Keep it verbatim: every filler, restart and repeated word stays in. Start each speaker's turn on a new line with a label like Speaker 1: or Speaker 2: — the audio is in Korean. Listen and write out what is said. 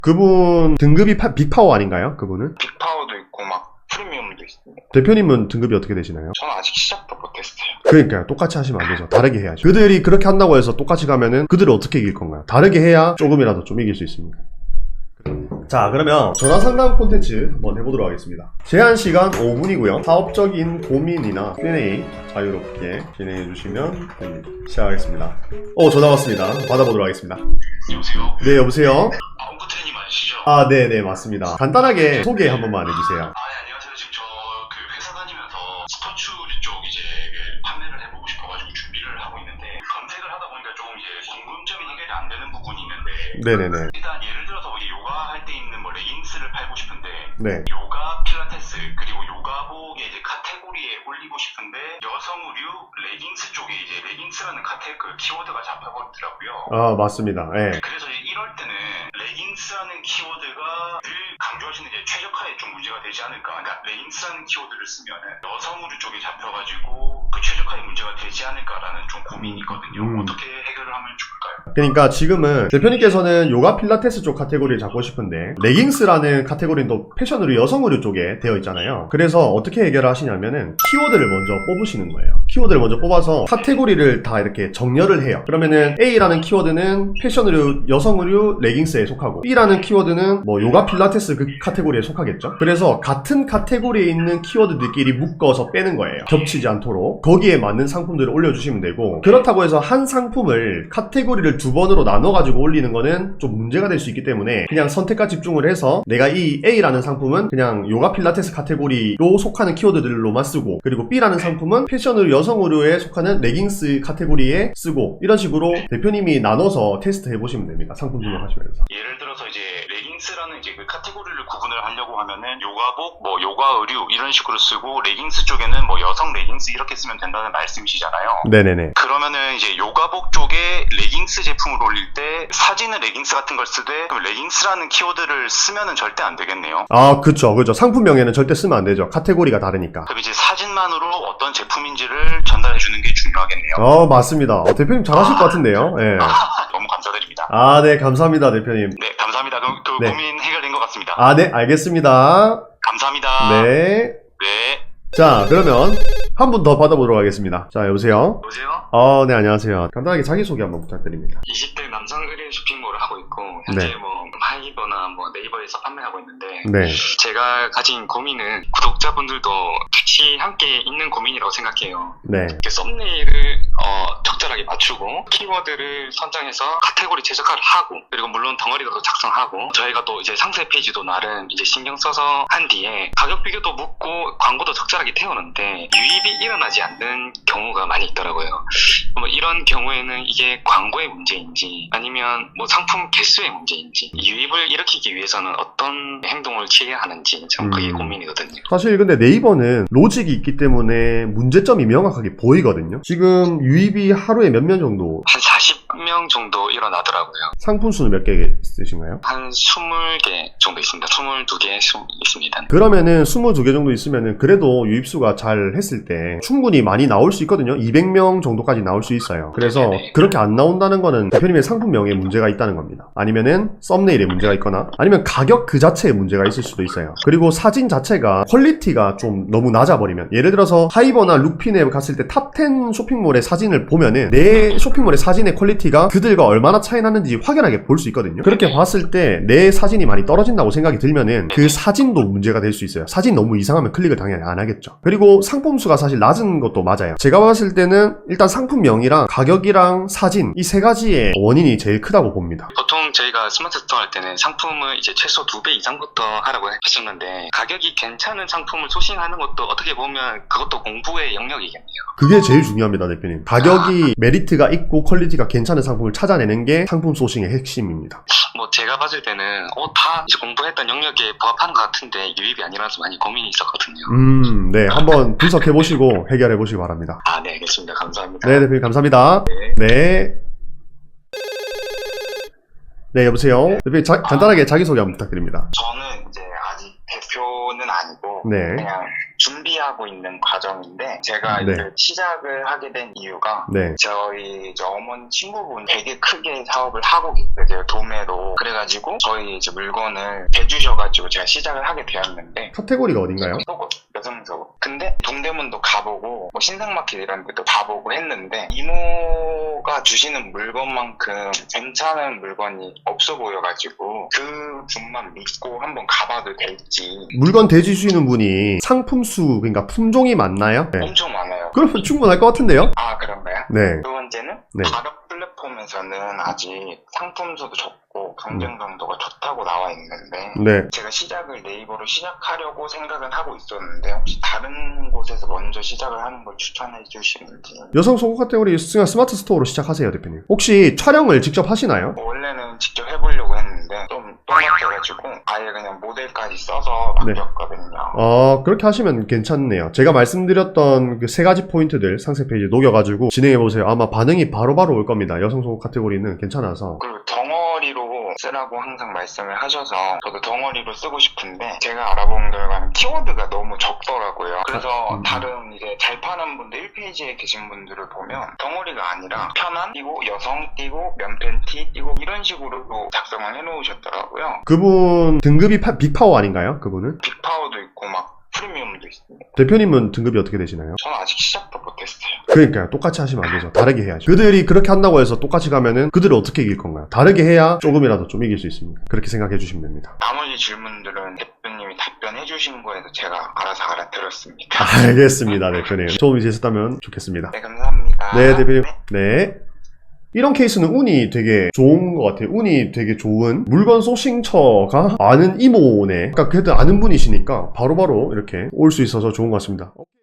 Speaker 1: 그분 등급이 파, 빅파워 아닌가요? 그분은?
Speaker 2: 빅파워도 있고 막 프리미엄도 있습니다.
Speaker 1: 대표님은 등급이 어떻게 되시나요?
Speaker 2: 저는 아직 시작도 못했어요.
Speaker 1: 그러니까요. 똑같이 하시면 안 되죠. 다르게 해야죠. 그들이 그렇게 한다고 해서 똑같이 가면은 그들을 어떻게 이길 건가요? 다르게 해야 조금이라도 좀 이길 수 있습니다. 자, 그러면 전화 상담 콘텐츠 한번 해보도록 하겠습니다. 제한 시간 오 분이고요. 사업적인 고민이나 큐 앤 에이 자유롭게 진행해 주시면 됩니다. 시작하겠습니다. 어, 전화 왔습니다. 받아보도록 하겠습니다.
Speaker 2: 여보세요?
Speaker 1: 네, 여보세요?
Speaker 2: 엉구트님 아시죠?
Speaker 1: 아, 네, 네, 맞습니다. 간단하게 소개 한 번만 해주세요.
Speaker 2: 아, 네, 안녕하세요. 지금 저 그 회사 다니면서 스포츠 쪽 이제 그 판매를 해보고 싶어가지고 준비를 하고 있는데 검색을 하다 보니까 조금 이제 궁금점이 해결이 안 되는 부분이 있는데
Speaker 1: 네네네.
Speaker 2: 일단 예를 들어서 이 요가 할 때 입는 뭐 레깅스를 팔고 싶은데
Speaker 1: 네.
Speaker 2: 요가 필라테스 그리고 요가복의 이제 카테고리에 올리고 싶은데 여성 의류 레깅스 쪽에 이제 레깅스라는 카테 그 키워드가 잡혀버리더라고요.
Speaker 1: 아, 맞습니다. 예.
Speaker 2: 그래서 이제 이럴 때는 레깅스라는 키워드가 늘 강조하시는 이제 최적화에 좀 문제가 되지 않을까. 그러니까 레깅스라는 키워드를 쓰면은 여성 의류 쪽에 잡혀가지고 그 최적화에 문제가 되지 않을까라는 좀 고민이 있거든요.
Speaker 1: 음.
Speaker 2: 어떻게 해결을 하면 좋을까요?
Speaker 1: 그러니까 지금은 대표님께서는 요가 필라테스 쪽 카테고리를 잡고 싶은데 레깅스라는 카테고리는 또 패션 의류 여성 의류 쪽에 되어 있잖아요. 그래서 어떻게 해결을 하시냐면은 키워드를 먼저 뽑으시는 거예요. 키워드를 먼저 뽑아서 카테고리를 다 이렇게 정렬을 해요. 그러면은 A라는 키워드는 패션 의류 여성 의류 레깅스에 속하고 B라는 키워드는 뭐 요가 필라테스 그 카테고리에 속하겠죠. 그래서 같은 카테고리에 있는 키워드들끼리 묶어서 빼는 거예요. 겹치지 않도록 거기에 맞는 상품들을 올려주시면 되고, 그렇다고 해서 한 상품을 카테고리를 두 번으로 나눠가지고 올리는 거는 좀 문제가 될 수 있기 때문에 그냥 선택과 집중을 해서 내가 이 A라는 상품은 그냥 요가 필라테스 카테고리로 속하는 키워드들로만 쓰고, 그리고 B라는 상품은 패션 의류 여성 의류에 속하는 레깅스 카테고리에 쓰고, 이런 식으로 대표님이 나눠서 테스트 해보시면 됩니다. 상품 등록하시면서.
Speaker 2: 예를 들어서 이제 레깅스라는 이제 그 카테고리를 구분을 하려고 하면은 요가복, 뭐 요가 의류 이런 식으로 쓰고 레깅스 쪽에는 뭐 여성 레깅스 이렇게 쓰면 된다는 말씀이시잖아요.
Speaker 1: 네네네.
Speaker 2: 그러면은 이제 요가복 쪽에 레깅스 제품을 올릴 때 사진은 레깅스 같은 걸 쓰되 그럼 레깅스라는 키워드를 쓰면은 절대 안 되겠네요.
Speaker 1: 아, 그쵸, 그쵸. 상품명에는 절대 쓰면 안 되죠. 카테고리가 다르니까.
Speaker 2: 그럼 이제 사진만으로 어떤 제품인지를 전달해 주는 게 중요하겠네요.
Speaker 1: 어, 맞습니다. 어, 대표님 잘하실 것 같은데요. 예.
Speaker 2: 너무 감사드립니다.
Speaker 1: 아, 네, 감사합니다, 대표님.
Speaker 2: 네, 감사합니다. 그럼 그
Speaker 1: 네.
Speaker 2: 고민 해결된 것 같습니다.
Speaker 1: 아, 네, 알겠습니다.
Speaker 2: 감사합니다.
Speaker 1: 네.
Speaker 2: 네.
Speaker 1: 자, 그러면 한 분 더 받아보도록 하겠습니다. 자, 여보세요?
Speaker 2: 여보세요?
Speaker 1: 어, 네, 안녕하세요. 간단하게 자기소개 한번 부탁드립니다.
Speaker 2: 이십 대 남성 의류 쇼핑몰을 하고 있고 현재
Speaker 1: 네.
Speaker 2: 뭐 하이버나 뭐 네이버에서 판매하고 있는데
Speaker 1: 네.
Speaker 2: 제가 가진 고민은 구독자분들도 같이 함께 있는 고민이라고 생각해요.
Speaker 1: 네.
Speaker 2: 이렇게 썸네일을 어, 적절하게 맞추고 키워드를 선정해서 카테고리 최적화를 하고, 그리고 물론 덩어리도 작성하고, 저희가 또 이제 상세 페이지도 나름 이제 신경 써서 한 뒤에 가격 비교도 묻고 광고도 적절하게 태우는데 유입이 일어나지 않는 경우가 많이 있더라고요. 뭐 이런 경우에는 이게 광고의 문제인지 아니면 뭐 상품 개수의 문제인지, 유입을 일으키기 위해서는 어떤 행동을 취해야 하는지 참 그게
Speaker 1: 음.
Speaker 2: 고민이거든요.
Speaker 1: 사실 근데 네이버는 로직이 있기 때문에 문제점이 명확하게 보이거든요. 지금 유입이 하루에 몇 명 정도,
Speaker 2: 한 사십 명 정도 일어나더라고요.
Speaker 1: 상품 수는 몇 개 있으신가요?
Speaker 2: 한 스물 개 정도 있습니다. 스물두 개 있습니다.
Speaker 1: 그러면은 스물두 개 정도 있으면은 그래도 유입수가 잘 했을 때 충분히 많이 나올 수 있거든요. 이백 명 정도까지 나올 수 있어요. 그래서
Speaker 2: 네네.
Speaker 1: 그렇게 안 나온다는 거는 대표님의 상품명에 문제가 있다는 겁니다. 아니면은 썸네일에 문제가 있거나 아니면 가격 그 자체에 문제가 있을 수도 있어요. 그리고 사진 자체가 퀄리티가 좀 너무 낮아버리면, 예를 들어서 하이버나 룩핀에 갔을 때 탑 텐 쇼핑몰의 사진을 보면은 내 쇼핑몰의 사진의 퀄리티가 그들과 얼마나 차이 나는지 확연하게 볼 수 있거든요. 그렇게 봤을 때 내 사진이 많이 떨어진다고 생각이 들면은 그 사진도 문제가 될 수 있어요. 사진 너무 이상하면 클릭을 당연히 안 하겠죠. 그리고 상품 수가 사실 낮은 것도 맞아요. 제가 봤을 때는 일단 상품명이랑 가격이랑 사진, 이 세 가지의 원인이 제일 크다고 봅니다.
Speaker 2: 보통 저희가 스마트 스토어 할 때는 상품을 이제 최소 두 배 이상부터 하라고 하셨는데, 가격이 괜찮은 상품을 소싱하는 것도 어떻게 보면 그것도 공부의 영역이겠네요.
Speaker 1: 그게 제일 중요합니다, 대표님. 가격이 메리트가 있고 퀄리티가 괜찮은 상품을 찾아내는 게 상품 소싱의 핵심입니다.
Speaker 2: 뭐 제가 봤을 때는 어, 다 이제 공부했던 영역에 부합하는 것 같은데 유입이 안 일어나서 많이 고민이 있었거든요.
Speaker 1: 음, 네. 한번 분석해보시고 해결해보시기 바랍니다.
Speaker 2: 아, 네, 알겠습니다. 감사합니다.
Speaker 1: 네, 대표님 감사합니다.
Speaker 2: 네.
Speaker 1: 네. 네, 여보세요? 대표님 자, 간단하게 자기소개 한번 부탁드립니다.
Speaker 2: 저는 이제 아직 대표는 아니고
Speaker 1: 네.
Speaker 2: 그냥
Speaker 3: 준비하고 있는 과정인데 제가
Speaker 1: 네.
Speaker 3: 이제 시작을 하게 된 이유가
Speaker 1: 네.
Speaker 3: 저희 이제 어머니 친구분 되게 크게 사업을 하고 계세요. 도매로. 그래가지고 저희 이제 물건을 대주셔가지고 제가 시작을 하게 되었는데
Speaker 1: 카테고리가 어딘가요?
Speaker 3: 속옷, 여성 속옷. 근데 동대문도 가보고 뭐 신상마켓 이런 데도 가보고 했는데 이모가 주시는 물건만큼 괜찮은 물건이 없어 보여가지고 그 분만 믿고 한번 가봐도 될지.
Speaker 1: 물건 대주시는 분이 상품수, 그러니까 품종이 많나요? 네.
Speaker 3: 엄청 많아요.
Speaker 1: 그러면 충분할 것 같은데요?
Speaker 3: 아 그런가요?
Speaker 1: 네.
Speaker 3: 두 번째는
Speaker 1: 네.
Speaker 3: 가격 플랫폼에서는 아직 상품수도 적고 경쟁 강도가 좋다고 나와 있는데
Speaker 1: 네.
Speaker 3: 제가 시작을 네이버로 시작하려고 생각은 하고 있었는데 혹시 다른 곳에서 먼저 시작을 하는 걸 추천해 주시는지.
Speaker 1: 여성 속옷 카테고리 그냥 스마트 스토어로 시작하세요, 대표님. 혹시 촬영을 직접 하시나요?
Speaker 3: 원래는 직접 해보려고 했는데 좀 똥같아가지고 아예 그냥 모델까지 써서
Speaker 1: 네.
Speaker 3: 바뀌었거든요.
Speaker 1: 어, 그렇게 하시면 괜찮네요. 제가 말씀드렸던 그 세 가지 포인트들 상세 페이지에 녹여가지고 진행해보세요. 아마 반응이 바로바로 올 겁니다. 여성 속옷 카테고리는 괜찮아서.
Speaker 3: 그리고 덩어리로 쓰라고 항상 말씀을 하셔서 저도 덩어리로 쓰고 싶은데 제가 알아본 결과는 키워드가 너무 적더라고요. 그래서
Speaker 1: 음.
Speaker 3: 다른 이제 잘 파는 분들 일 페이지에 계신 분들을 보면 덩어리가 아니라 편한 띄고 여성 띄고 면팬티 띄고 이런 식으로 작성을 해놓으셨더라고요.
Speaker 1: 그분 등급이 파- 빅파워 아닌가요? 그분은?
Speaker 3: 빅파워도 있고 막 프리미엄도 있습니다.
Speaker 1: 대표님은 등급이 어떻게 되시나요?
Speaker 3: 저는 아직 시작도 못했어요.
Speaker 1: 그러니까요. 똑같이 하시면 안 되죠. 다르게 해야죠. 그들이 그렇게 한다고 해서 똑같이 가면은 그들을 어떻게 이길 건가요? 다르게 해야 조금이라도 좀 이길 수 있습니다. 그렇게 생각해 주시면 됩니다.
Speaker 3: 나머지 질문들은 대표님이 답변해 주신 거에서 제가 알아서 알아들었습니다.
Speaker 1: 알겠습니다, 대표님. 도움이 되셨다면 좋겠습니다.
Speaker 3: 네, 감사합니다.
Speaker 1: 네, 대표님. 네. 이런 케이스는 운이 되게 좋은 것 같아요. 운이 되게 좋은 물건 소싱처가 아는 이모네. 그러니까 그래도 아는 분이시니까 바로바로 이렇게 올 수 있어서 좋은 것 같습니다.